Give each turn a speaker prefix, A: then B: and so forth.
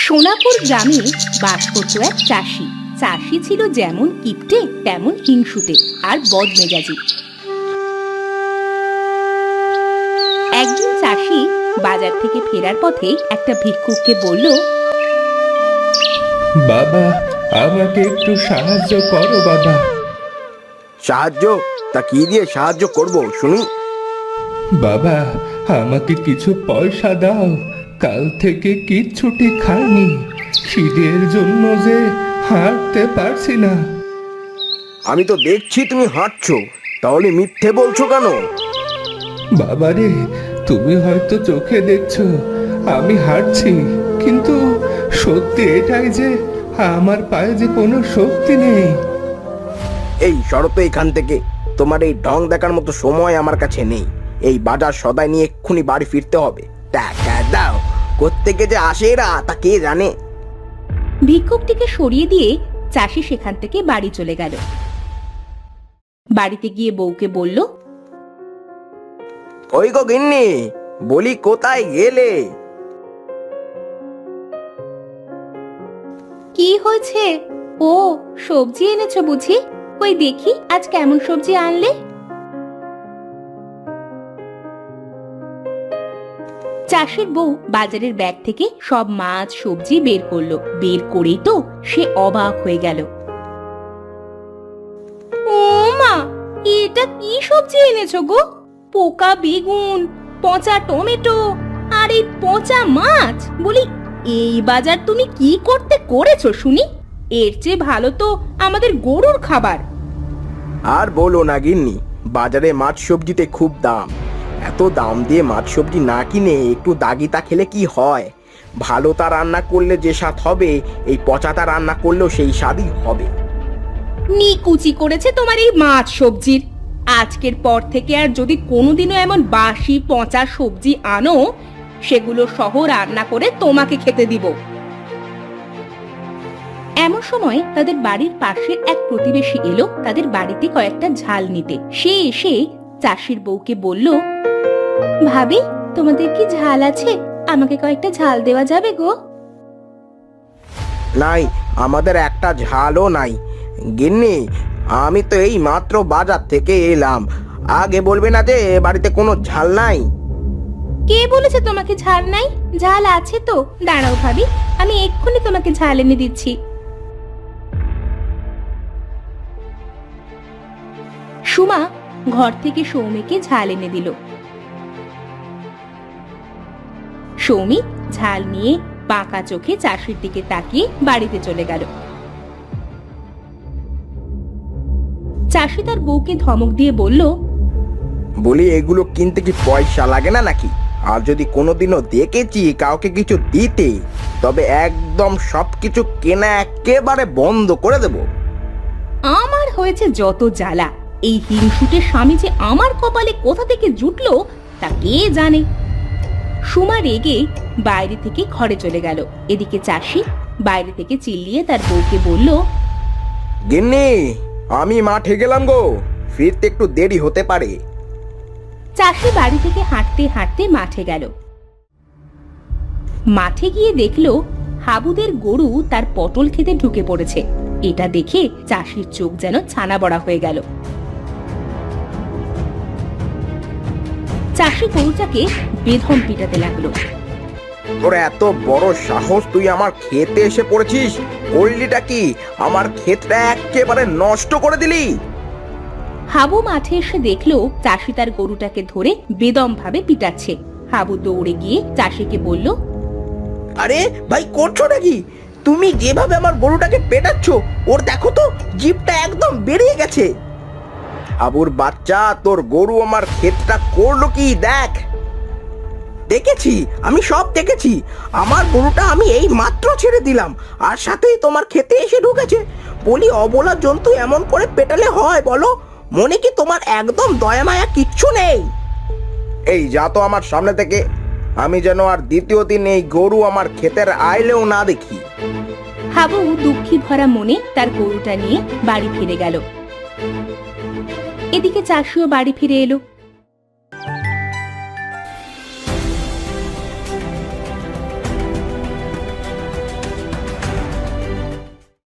A: সোনাপুর গ্রামে বাস করত এক চাষি। চাষি ছিল যেমন কিপটে তেমন হিংসুটে আর বদমেজাজি। একদিন চাষি বাজার থেকে ফেরার পথে একটা ভিক্ষুককে বলল,
B: বাবা, আমাকে একটু সাহায্য করো বাবা।
C: সাহায্য? তা কি দিয়ে সাহায্য করব শুনি?
B: বাবা, আমাকে কিছু পয়সা দাও, কাল থেকে কিচ্ছুটি খাইনি, খিদের জন্য যে হাঁটতে পারছি না।
C: আমি তো দেখছি তুমি হাঁটছো, তাহলে মিথ্যে বলছো কেন?
B: বাবারে, তুমি হয়তো চোখে দেখছো আমি হাঁটছি, কিন্তু সত্যি এটাই যে আমার পায়ে যে কোনো শক্তি নেই।
C: এই শরত এখান থেকে, তোমার এই ঢং দেখার মতো সময় আমার কাছে নেই। এই বাজার সদাই নিয়ে এক্ষুনি বাড়ি ফিরতে হবে। টাকা দাও, কোত্থেকে যে আসে এরা তা কে জানে।
A: ভিক্ষুকটিকে সরিয়ে দিয়ে চাষি সেখান থেকে বাড়ি চলে গেল। বাড়িতে গিয়ে বউকে বলল,
C: ওই গো গিন্নি, বলি কোথায় গেলে?
A: কি হয়েছে? ও, সবজি এনেছো বুঝি? কই দেখি আজ কেমন সবজি আনলে। চাষির বউ বাজারের ব্যাগ থেকে সব মাছ সবজি বের করলো। বের করেই তো সে অবাক হয়ে গেল। ও মা, এটা কি সবজি এনেছো গো? পোকা বেগুন, পচা টমেটো আর এই পচা মাছ। বলি, এই বাজার তুমি কি করতে করেছো শুনি? এর চেয়ে ভালো তো আমাদের গরুর খাবার।
C: আর বলো না গিন্নি, বাজারে মাছ সবজিতে খুব দাম। এত দাম দিয়ে মাছ সবজি না কিনে একটু দাগিতা খেলে কি হয়? ভালোটা রান্না করলে যে স্বাদ হবে, এই পচাটা রান্না করলেও সেই স্বাদই হবে।
A: নিকুচি করেছে তোমার এই মাছ সবজির। আজকের পর থেকে আর যদি কোনোদিনও এমন বাসি পচা সবজি আনো, সেগুলো সহ রান্না করে তোমাকে খেতে দিব। এমন সময় তাদের বাড়ির পাশের এক প্রতিবেশী এলো তাদের বাড়িতে কয়েকটা ঝাল নিতে। সে এসে চাষির বউকে বলল, ভাবি, তোমাদের কি ঝাল আছে? আমাকে কয়েকটা ঝাল দেওয়া যাবে গো?
C: নাই, আমাদের একটা ঝালও নাই। গিন্নি, আমি তো এই মাত্র বাজার থেকে এলাম, আগে বলবে না যে বাড়িতে কোনো ঝাল নাই?
A: কে বলেছে তোমাকে ঝাল নাই? ঝাল আছে তো। দাঁড়াও ভাবি, আমি এক্ষুনি তোমাকে ঝাল এনে দিচ্ছি। সুমা ঘর থেকে সৌমিকে ঝাল এনে দিল। সৌমি ঝাল নিয়ে বাঁকা চোখে চাষির দিকে তাকিয়ে বাড়িতে চলে গেল। চাষি তার বউকে ধমক দিয়ে বলল,
C: বলি, এগুলো কিনতে কি পয়সা লাগে না নাকি? আর যদি কোনোদিনও দেখেছি কাউকে কিছু দিতে, তবে একদম সবকিছু কেনা একেবারে বন্ধ করে দেব।
A: আমার হয়েছে যত জ্বালা। এই হিংসুটের স্বামী যে আমার কপালে কোথা থেকে জুটলো তা কে জানে। সুমা রেগে বাইরে থেকে ঘরে চলে গেল। এদিকে চাষি বাইরে থেকে চিল্লিয়ে তার বউকে বলল,
C: গিন্নি, আমি মাঠে গেলাম গো, ফিরতে একটু দেরি হতে পারে।
A: চাষি বাড়ি থেকে হাঁটতে হাঁটতে মাঠে গেল। মাঠে গিয়ে দেখলো হাবুদের গরু তার পটল খেতে ঢুকে পড়েছে। এটা দেখে চাষির চোখ যেন ছানা বড়া হয়ে গেল। চাষি গরুটাকে বেধম পিটাতে লাগলো।
C: তোর এত বড় সাহস, তুই আমার ক্ষেতে এসে পড়েছিস? করলিটা কি? আমার ক্ষেতটা একেবারে নষ্ট করে দিলি।
A: হাবু মাঠে এসে দেখলো চাষি তার গরুটাকে ধরে বেদম ভাবে পিটাচ্ছে। হাবু দৌড়ে গিয়ে চাষিকে বলল,
C: আরে ভাই, করছো নাকি? তুমি যেভাবে আমার গরুটাকে পেটাচ্ছ, ওর দেখো তো জিভটা একদম বেরিয়ে গেছে। আবুর বাচ্চা, তোর গরু আমার ক্ষেতটা করলো কি দেখ। দেখেছি, আমি সব দেখেছি। আমার গরুটা আমি এই মাত্র ছেড়ে দিলাম, আর সাথেই তোমার ক্ষেতে এসে ঢুকেছে। বলি, অবলা জন্তু এমন করে পেটালে হয় বলো? মনে কি তোমার একদম দয়া মায়া কিচ্ছু নেই? এই যা তো আমার সামনে থেকে, আমি যেন আর দ্বিতীয় দিন এই গরু আমার ক্ষেতের আইলেও না দেখি।
A: হাবু দুঃখী ভরা মনে তার গরুটা নিয়ে বাড়ি ফিরে গেল। এদিকে চাষিও বাড়ি ফিরে এলো।